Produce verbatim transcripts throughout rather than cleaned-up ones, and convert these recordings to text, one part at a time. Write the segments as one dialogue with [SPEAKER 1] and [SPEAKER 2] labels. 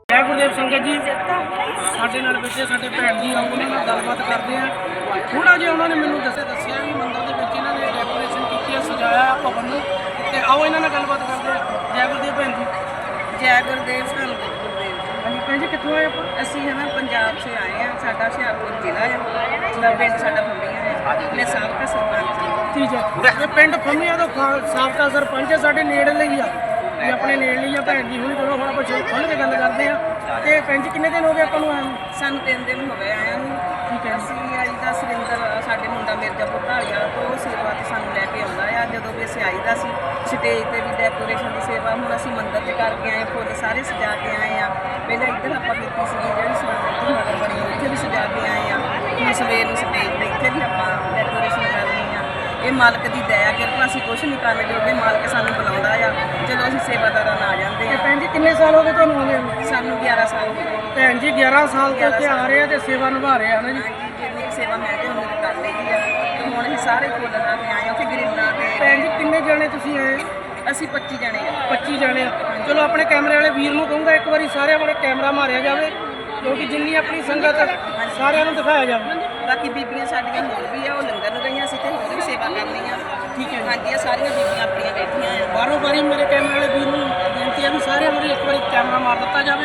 [SPEAKER 1] जय गुरुदेव संगत जी ਸਾਡੇ ਨਾਲ ਬੱਚੇ ਸਾਡੇ ਭੈਣ ਜੀ ਆਓ ਉਹਨਾਂ ਨਾਲ ਗੱਲਬਾਤ ਕਰਦੇ ਆ। ਥੋੜਾ ਜਿਹਾ ਉਹਨਾਂ ਨੇ ਮੈਨੂੰ ਦੱਸਿਆ ਦੱਸਿਆ ਵੀ ਮੰਦਰ ਦੇ ਵਿੱਚ ਇਹਨਾਂ ਨੇ ਡੈਕੋਰੇਸ਼ਨ ਕੀਤੀ ਹੈ, ਸਜਾਇਆ ਭਵਨ ਨੂੰ, ਤੇ ਆਓ ਇਹਨਾਂ ਨਾਲ ਗੱਲਬਾਤ ਕਰਦੇ ਆ। ਜੈ ਗੁਰਦੇਵ ਭੈਣ ਜੀ।
[SPEAKER 2] ਜੈ ਗੁਰਦੇਵ ਸਾਨੂੰ
[SPEAKER 1] ਹਾਂਜੀ ਭੈਣ ਜੀ, ਕਿੱਥੋਂ ਆਏ ਆਪਾਂ?
[SPEAKER 2] ਅਸੀਂ ਹੈ ਨਾ ਪੰਜਾਬ ਸੇ ਆਏ ਹਾਂ। ਸਾਡਾ ਹੁਸ਼ਿਆਰਪੁਰ ਜ਼ਿਲ੍ਹਾ ਹੈ, ਜਿਹੜਾ ਪਿੰਡ ਸਾਡਾ ਫੰਬੀਆਂ ਹੈ। ਮੈਂ ਸਾਬਕਾ ਸਰਪੰਚ ਹਾਂ।
[SPEAKER 1] ਠੀਕ ਹੈ, ਇਹ ਪਿੰਡ ਫੰਮੀਆਂ ਤੋਂ ਸਾਬਕਾ ਸਰਪੰਚ ਹੈ, ਸਾਡੇ ਨੇੜਲੇ ਹੀ ਆ ਵੀ ਆਪਣੇ ਨੇੜਲੇ ਹੀ ਆ ਭੈਣ ਜੀ। ਹੁਣ ਚਲੋ ਹੁਣ ਆਪਾਂ ਖੁੱਲ੍ਹ ਕੇ ਗੱਲ ਕਰਦੇ ਆ। ਤੇ ਭੈਣ ਜੀ ਕਿੰਨੇ ਦਿਨ ਹੋ ਗਏ ਆਪਾਂ ਨੂੰ ਆਏ ਨੂੰ?
[SPEAKER 2] ਸਾਨੂੰ ਤਿੰਨ ਦਿਨ ਹੋ ਗਏ ਆਇਆਂ ਨੂੰ।
[SPEAKER 1] ਠੀਕ ਹੈ,
[SPEAKER 2] ਅਸੀਂ ਅੱਜ ਦਾ ਸੁਰਿੰਦਰ ਸਾਡੇ ਮੁੰਡਾ ਮਿਰਜ਼ਾਪੁਰ ਢਾਲੀਆ ਤੋਂ ਸੇਵਾ ਤੇ ਸਾਨੂੰ ਲੈ ਕੇ ਆਉਂਦਾ ਆ। ਜਦੋਂ ਵੀ ਅਸੀਂ ਆਈਦਾ ਸੀ ਸਟੇਜ ਤੇ ਵੀ ਡੈਕੋਰੇਸ਼ਨ ਦੀ ਸੇਵਾ। ਹੁਣ ਅਸੀਂ ਮੰਦਰ 'ਚ ਕਰਕੇ ਆਏ, ਫੁੱਲ ਸਾਰੇ ਸਜਾ ਕੇ ਆਏ ਆ। ਪਹਿਲਾਂ ਇੱਧਰ ਆਪਾਂ ਕੀਤੀ ਸੀ ਜਿਹੜੀ ਸਮਾਨ ਨਗਰ ਬਣੀ ਉੱਥੇ ਵੀ ਸਜਾ ਕੇ ਆਏ ਆ। ਹੁਣ ਸਵੇਰ ਨੂੰ ਸਟੇਜ ਤੇ ਇੱਥੇ ਵੀ ਆਪਾਂ ਡੈਕੋਰੇਸ਼ਨ ਕਰਨੀ ਆ। ਇਹ ਮਾਲਕ ਦੀ ਦਇਆ ਕਿਰਪਾ, ਅਸੀਂ ਕੁਛ ਨਹੀਂ ਕਰਨ ਜੋਗੇ। ਮਾਲਕ ਸਾਨੂੰ ਬੁਲਾਉਂਦਾ ਆ, ਜਦੋਂ ਅਸੀਂ ਸੇਵਾਦਾਰਾਂ ਨਾਲ ਆ ਜਾਂਦੇ
[SPEAKER 1] ਤੇ
[SPEAKER 2] ਆ।
[SPEAKER 1] ਭੈਣ ਜੀ ਕਿੰਨੇ ਸਾਲ ਹੋ ਗਏ ਤੁਹਾਨੂੰ ਆਉਂਦੇ ਨੂੰ?
[SPEAKER 2] ਸਾਨੂੰ ਗਿਆਰਾਂ ਸਾਲ ਹੋ ਗਏ।
[SPEAKER 1] ਭੈਣ ਜੀ ਗਿਆਰਾਂ ਸਾਲ ਤੋਂ ਇੱਥੇ ਆ ਰਹੇ ਆ ਤੇ ਸੇਵਾ ਨਿਭਾ ਰਹੇ ਆ ਨਾ ਜੀ।
[SPEAKER 2] ਹਾਂਜੀ, ਜਿੰਨੀ ਕੁ ਸੇਵਾ ਮੈਂ ਤੇ ਉਨੀ ਕੁ ਕਰ ਲਈ ਆ। ਤੇ ਹੁਣ ਅਸੀਂ ਸਾਰੇ ਫੁੱਲ ਲਾ ਕੇ ਆਏ ਆ ਉੱਥੇ ਗਰੀਬਾਂ ਤੇ।
[SPEAKER 1] ਭੈਣ ਜੀ ਕਿੰਨੇ ਜਣੇ ਤੁਸੀਂ ਆਏ?
[SPEAKER 2] ਅਸੀਂ ਪੱਚੀ ਜਣੇ ਆ।
[SPEAKER 1] ਪੱਚੀ ਜਣੇ ਆ। ਚਲੋ ਆਪਣੇ ਕੈਮਰੇ ਵਾਲੇ ਵੀਰ ਨੂੰ ਕਹੂੰਗਾ ਇੱਕ ਵਾਰੀ ਸਾਰਿਆਂ ਵਾਲੇ ਕੈਮਰਾ ਮਾਰਿਆ ਜਾਵੇ, ਕਿਉਂਕਿ ਜਿੰਨੀ ਆਪਣੀ ਸੰਗਤ ਸਾਰਿਆਂ ਨੂੰ ਦਿਖਾਇਆ ਜਾਵੇ।
[SPEAKER 2] ਬਾਕੀ ਬੀਬੀਆਂ ਸਾਡੀਆਂ ਹੋਰ ਵੀ ਆ, ਉਹ ਲੰਗਰ ਨੂੰ ਗਈਆਂ ਸੀ ਤੇ ਹੋਰ ਵੀ ਸੇਵਾ ਕਰਨੀ ਆ।
[SPEAKER 1] ਠੀਕ ਹੈ,
[SPEAKER 2] ਹਾਂਜੀ, ਇਹ ਸਾਰੀਆਂ ਬੀਬੀਆਂ ਆਪਣੀਆਂ ਬੈਠੀਆਂ ਆ।
[SPEAKER 1] ਬਾਰੋਂ ਬਾਰੀ ਮੇਰੇ ਕੈਮਰੇ ਵਾਲੇ ਵੀਰ ਨੂੰ ਬੇਨਤੀ ਹੈ ਵੀ ਸਾਰਿਆਂ ਨੂੰ ਇੱਕ ਵਾਰੀ ਕੈਮਰਾ ਮਾਰ ਦਿੱਤਾ ਜਾਵੇ।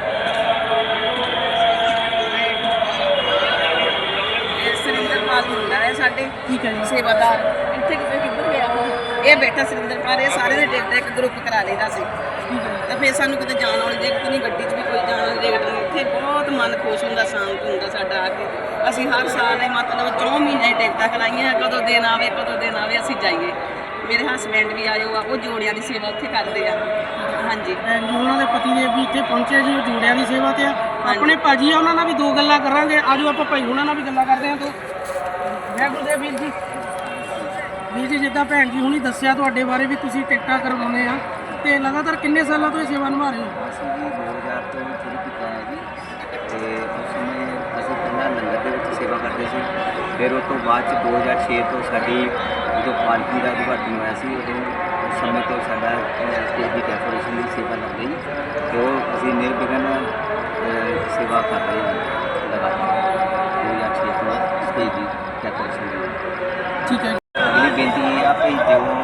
[SPEAKER 2] ਇਹ ਸੁਰਿੰਦਰਪਾਲ ਮੁੰਡਾ ਹੈ ਸਾਡੇ।
[SPEAKER 1] ਠੀਕ ਹੈ ਜੀ।
[SPEAKER 2] ਸੇਵਾਦਾਰ ਇੱਥੇ ਕਿਤੇ ਕਿੱਧਰ ਗਿਆ ਉਹ? ਇਹ ਬੈਠਾ ਸੁਰਿੰਦਰਪਾਲ। ਇਹ ਸਾਰੇ ਦੇ ਟਿਕਟ ਇੱਕ ਗਰੁੱਪ ਕਰਾ ਲਈਦਾ ਸੀ।
[SPEAKER 1] ਠੀਕ ਹੈ,
[SPEAKER 2] ਤਾਂ ਫਿਰ ਸਾਨੂੰ ਕਿਤੇ ਜਾਣ ਵਾਲੀ ਦਿੱਕਤ ਨਹੀਂ, ਗੱਡੀ 'ਚ ਵੀ ਕੋਈ ਜਾਣ ਵਾਲੀ ਦਿੱਕਤ ਨਹੀਂ। ਇੱਥੇ ਬਹੁਤ ਮਨ ਖੁਸ਼ ਹੁੰਦਾ, ਸ਼ਾਂਤ ਹੁੰਦਾ ਸਾਡਾ ਆ ਕੇ। ਅਸੀਂ ਹਰ ਸਾਲ ਇਹ ਮਤਲਬ ਚੌਂ ਮਹੀਨੇ ਟਿਕਟਾਂ ਕਰਾਈਆਂ, ਕਦੋਂ ਦਿਨ ਆਵੇ ਕਦੋਂ ਦਿਨ ਆਵੇ ਅਸੀਂ ਜਾਈਏ। ਮੇਰੇ ਹਸਬੈਂਡ ਵੀ ਆਏ ਹੋ ਆ, ਉਹ ਜੋੜਿਆਂ ਦੀ ਸੇਵਾ ਉੱਥੇ ਕਰਦੇ ਆ। ਹਾਂਜੀ,
[SPEAKER 1] ਭੈਣ ਜੀ ਉਹਨਾਂ ਦੇ ਪਤੀ ਦੇਵ ਵੀ ਇੱਥੇ ਪਹੁੰਚੇ ਜੀ, ਉਹ ਜੋੜਿਆਂ ਦੀ ਸੇਵਾ ਤੇ ਆ। ਆਪਣੇ ਭਾਜੀ ਆ, ਉਹਨਾਂ ਨਾਲ ਵੀ ਦੋ ਗੱਲਾਂ ਕਰਾਂਗੇ। ਆਜੋ ਆਪਾਂ ਭਾਈ ਉਹਨਾਂ ਨਾਲ ਵੀ ਗੱਲਾਂ ਕਰਦੇ ਹਾਂ। ਤੋਂ ਜੈ ਗੁਰਦੇਵ ਵੀਰ ਜੀ। ਵੀਰ ਜੀ, ਜਿੱਦਾਂ ਭੈਣ ਜੀ ਹੁਣੀ ਦੱਸਿਆ ਤੁਹਾਡੇ ਬਾਰੇ ਵੀ ਤੁਸੀਂ ਟਿਕਟਾਂ ਕਰਵਾਉਂਦੇ ਆ, ਤੇ ਲਗਾਤਾਰ ਕਿੰਨੇ ਸਾਲਾਂ ਤੋਂ ਇਹ ਸੇਵਾ ਨਿਭਾ ਰਹੇ ਹੋ?
[SPEAKER 3] ਅਸੀਂ ਜੀ ਦੋ ਹਜ਼ਾਰ ਤੋਂ ਸ਼ੁਰੂ ਕੀਤਾ ਹੈ ਜੀ। ਅਤੇ ਉਸ ਸਮੇਂ ਅਸੀਂ ਪਹਿਲਾਂ ਲੰਗਰ ਦੇ ਵਿੱਚ ਸੇਵਾ ਕਰਦੇ ਸੀ। ਫਿਰ ਉਸ ਤੋਂ ਬਾਅਦ 'ਚ ਦੋ ਹਜ਼ਾਰ ਛੇ ਤੋਂ ਸਾਡੀ ਜਦੋਂ ਪਾਲਕੀ ਦਾ ਉਦਘਾਟਨ ਹੋਇਆ ਸੀ, ਉਦੋਂ ਉਸ ਸਮੇਂ ਤੋਂ ਸਾਡਾ ਸਟੇਜ ਦੀ ਡੈਕੋਰੇਸ਼ਨ ਦੀ ਸੇਵਾ ਲੱਗ ਗਈ, ਅਤੇ ਉਹ ਅਸੀਂ ਨਿਰਵਿਘਨ ਅ, ਸੇਵਾ ਕਰ ਰਹੇ ਹਾਂ ਲਗਾਤਾਰ ਦੋ ਹਜ਼ਾਰ ਛੇ ਤੋਂ ਸਟੇਜ ਦੀ ਡੈਕੋਰੇਸ਼ਨ ਦੀ।
[SPEAKER 1] ਠੀਕ ਹੈ,
[SPEAKER 3] ਅਗਲੀ ਬੇਨਤੀ ਇਹ ਆ ਕਿ ਜੋ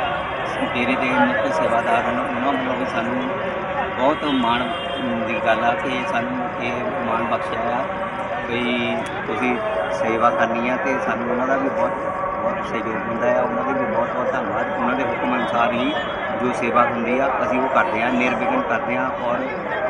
[SPEAKER 3] ਡੇਰੇ ਦੇ ਮੁੱਖ ਸੇਵਾਦਾਰ ਹਨ, ਉਹਨਾਂ ਵੱਲੋਂ ਵੀ ਸਾਨੂੰ ਬਹੁਤ ਮਾਣ ਦੀ ਗੱਲ ਆ ਕਿ ਸਾਨੂੰ ਇਹ ਮਾਣ ਬਖਸ਼ਿਆ ਆ ਵੀ ਤੁਸੀਂ ਸੇਵਾ ਕਰਨੀ ਆ, ਅਤੇ ਸਾਨੂੰ ਉਹਨਾਂ ਦਾ ਵੀ ਬਹੁਤ ਬਹੁਤ ਸਹਿਯੋਗ ਹੁੰਦਾ ਆ। ਉਹਨਾਂ ਦੇ ਵੀ ਬਹੁਤ ਬਹੁਤ ਧੰਨਵਾਦ। ਉਹਨਾਂ ਦੇ ਹੁਕਮ ਅਨੁਸਾਰ ਹੀ ਜੋ ਸੇਵਾ ਹੁੰਦੀ ਆ ਅਸੀਂ ਉਹ ਕਰਦੇ ਹਾਂ, ਨਿਰਵਿਘਨ ਕਰਦੇ ਹਾਂ, ਔਰ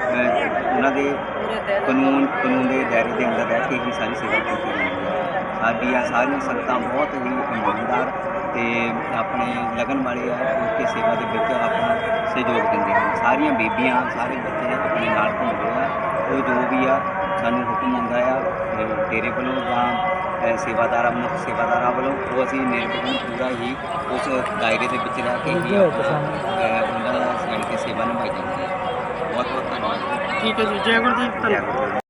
[SPEAKER 3] ਉਹਨਾਂ ਦੇ ਕਾਨੂੰਨ ਕਾਨੂੰਨ ਦੇ ਦਾਇਰੇ ਦੇ ਅੰਦਰ ਰਹਿ ਕੇ ਹੀ ਸਾਰੀ ਸੇਵਾ ਕੀਤੀ ਜਾਂਦੀ ਹੈ। ਸਾਡੀਆਂ ਸਾਰੀਆਂ ਸੰਗਤਾਂ ਬਹੁਤ ਹੀ ਇਮਾਨਦਾਰ ਅਤੇ ਆਪਣੇ ਲਗਨ ਵਾਲੇ ਆ, ਕਿ ਸੇਵਾ ਦੇ ਵਿੱਚ ਆਪਣਾ ਸਹਿਯੋਗ ਦਿੰਦੇ ਹਨ। ਸਾਰੀਆਂ ਬੀਬੀਆਂ, ਸਾਰੇ ਬੱਚੇ ਆਪਣੇ ਨਾਲ ਘੁੰਮਦੇ ਆ। ਉਹ ਜੋ ਵੀ ਆ ਸਾਨੂੰ ਹੁਕਮ ਹੁੰਦਾ ਆ ਡੇਰੇ ਵੱਲੋਂ ਜਾਂ ਸੇਵਾਦਾਰਾਂ ਮੁੱਖ ਸੇਵਾਦਾਰਾਂ ਵੱਲੋਂ, ਉਹ ਅਸੀਂ ਨਿਰਵਿਘਨ ਪੂਰਾ ਹੀ ਉਸ ਦਾਇਰੇ ਦੇ ਵਿੱਚ ਰਹਿ ਕੇ ਹੀ ਉਹਨਾਂ ਦਾ ਜਾਣੀ ਕਿ ਸੇਵਾ ਨਿਭਾਈ ਜਾਂਦੀ ਹੈ। ਬਹੁਤ ਬਹੁਤ ਧੰਨਵਾਦ।
[SPEAKER 1] ਠੀਕ ਹੈ ਜੀ। ਜੈ ਗੁਰਦੀਪ। ਧੰਨਵਾਦ।